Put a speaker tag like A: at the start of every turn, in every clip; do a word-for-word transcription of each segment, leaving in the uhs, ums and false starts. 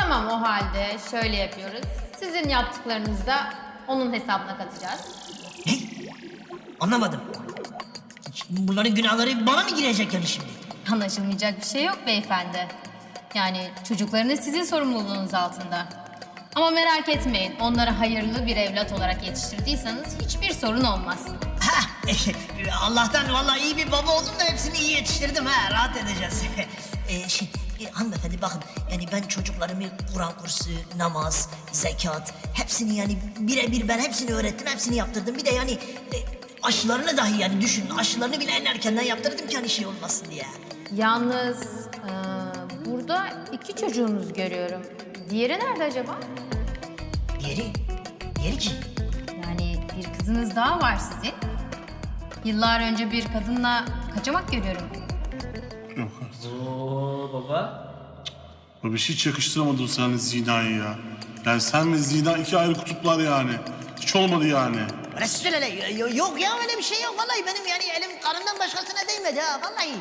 A: Tamam, o halde şöyle yapıyoruz. Sizin yaptıklarınızı da onun hesabına katacağız.
B: Ne? Anlamadım. Bunların günahları bana mı girecek yani şimdi?
A: Anlaşılmayacak bir şey yok beyefendi. Yani çocuklarınız sizin sorumluluğunuz altında. Ama merak etmeyin, onları hayırlı bir evlat olarak yetiştirdiyseniz hiçbir sorun olmaz.
B: Ha, Allah'tan vallahi iyi bir baba oldum da hepsini iyi yetiştirdim ha. Rahat edeceğiz. e, şey, e, hanımefendi bakın yani ben çocuklarımı Kur'an kursu, namaz, zekat hepsini yani birebir ben hepsini öğrettim, hepsini yaptırdım. Bir de yani e, aşılarını dahi yani düşünün aşılarını bile en erkenden yaptırdım ki hani şey olmasın diye.
A: Yalnız e, burada iki çocuğunuz görüyorum. Diğeri nerede acaba?
B: Diğeri, diğeri kim?
A: Yani bir kızınız daha var sizin. Yıllar önce bir kadınla kaçamak görüyorum.
C: Yok artık.
D: Oo baba.
C: Abi hiç yakıştıramadım sana Zina'yı ya. Yani sen ve Zina iki ayrı kutuplar yani. Hiç olmadı yani.
B: Resulallah yok ya öyle bir şey yok. Vallahi benim yani elim karından başkasına değmedi ha vallahi.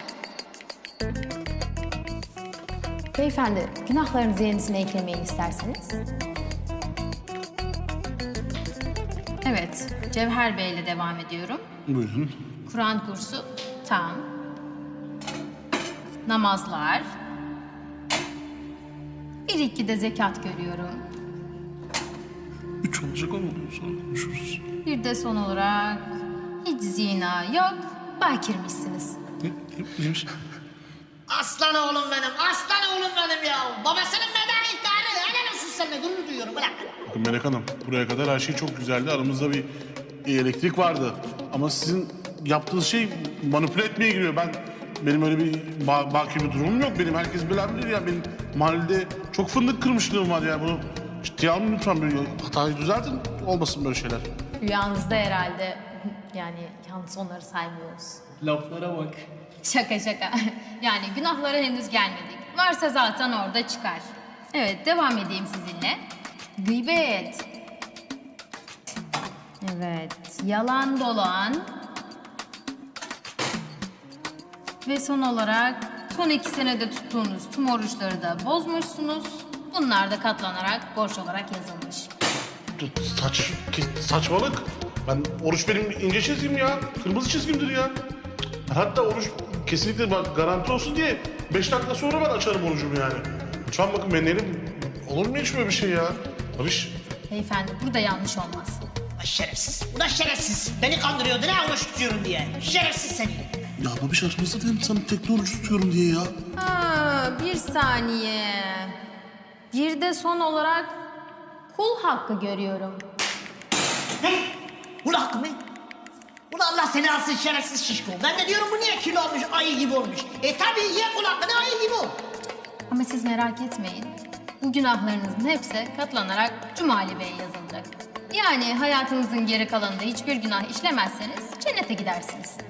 A: Beyefendi, günahlarınızı yenisine eklemeyin isterseniz. Evet, Cevher Bey ile devam ediyorum.
C: Buyurun.
A: Kur'an kursu tam. Namazlar. Bir iki de zekat görüyorum.
C: Üç olacak ama sonra konuşuruz.
A: Bir de son olarak hiç zina yok, bakirmişsiniz.
C: Ne, ne, neymiş?
B: Aslan oğlum benim, aslan oğlum benim ya. Babasının beden ihtarı. Helal olsun seninle gurur duyuyorum. Bırak.
C: Bakın Melek Hanım, buraya kadar her şey çok güzeldi. Aramızda bir elektrik vardı. Ama sizin yaptığınız şey manipüle etmeye giriyor. Ben benim öyle bir ba baki bir durumum yok. Benim herkes bilen bilir ya. Benim mahallede çok fındık kırmışlığım var ya. Bunu ciddiye alın lütfen. Böyle hatayı düzeltin. Olmasın böyle şeyler.
A: Rüyanızda herhalde yani yalnız onları saymıyoruz.
D: Laflara bak.
A: Şaka şaka. Yani günahlara henüz gelmedik. Varsa zaten orada çıkar. Evet, devam edeyim sizinle. Gıybet. Evet, yalan dolan. Ve son olarak son iki senede tuttuğunuz tüm oruçları da bozmuşsunuz. Bunlar da katlanarak borç olarak yazılmış.
C: Saç, saçmalık. Ben oruç benim ince çizgim ya. Kırmızı çizgimdir ya. Hatta oruç kesinlikle bak garanti olsun diye beş dakika sonra ben açarım orucumu yani. Lütfen bakın benim elim olur mu hiç böyle bir şey ya? Barış.
A: Beyefendi, burada yanlış olmaz.
B: Ay şerefsiz. Ulan şerefsiz. Beni kandırıyordu ne oruç tutuyorum diye. Şerefsiz seni.
C: Ya babiş aramızda dedim sana tekne oruç tutuyorum diye ya.
A: Ha, bir saniye. Bir de son olarak kul hakkı görüyorum.
B: Ne? Ulan hakkı mı? Ulan Allah seni alsın şerefsiz şişko. Ben de diyorum bu niye kilo olmuş, ayı gibi olmuş. E tabii ye kul hakkını ayı gibi ol.
A: Ama siz merak etmeyin. Bu günahlarınızın hepsi katlanarak Cumali Bey'e yazılacak. Yani hayatınızın geri kalanında hiçbir günah işlemezseniz cennete gidersiniz.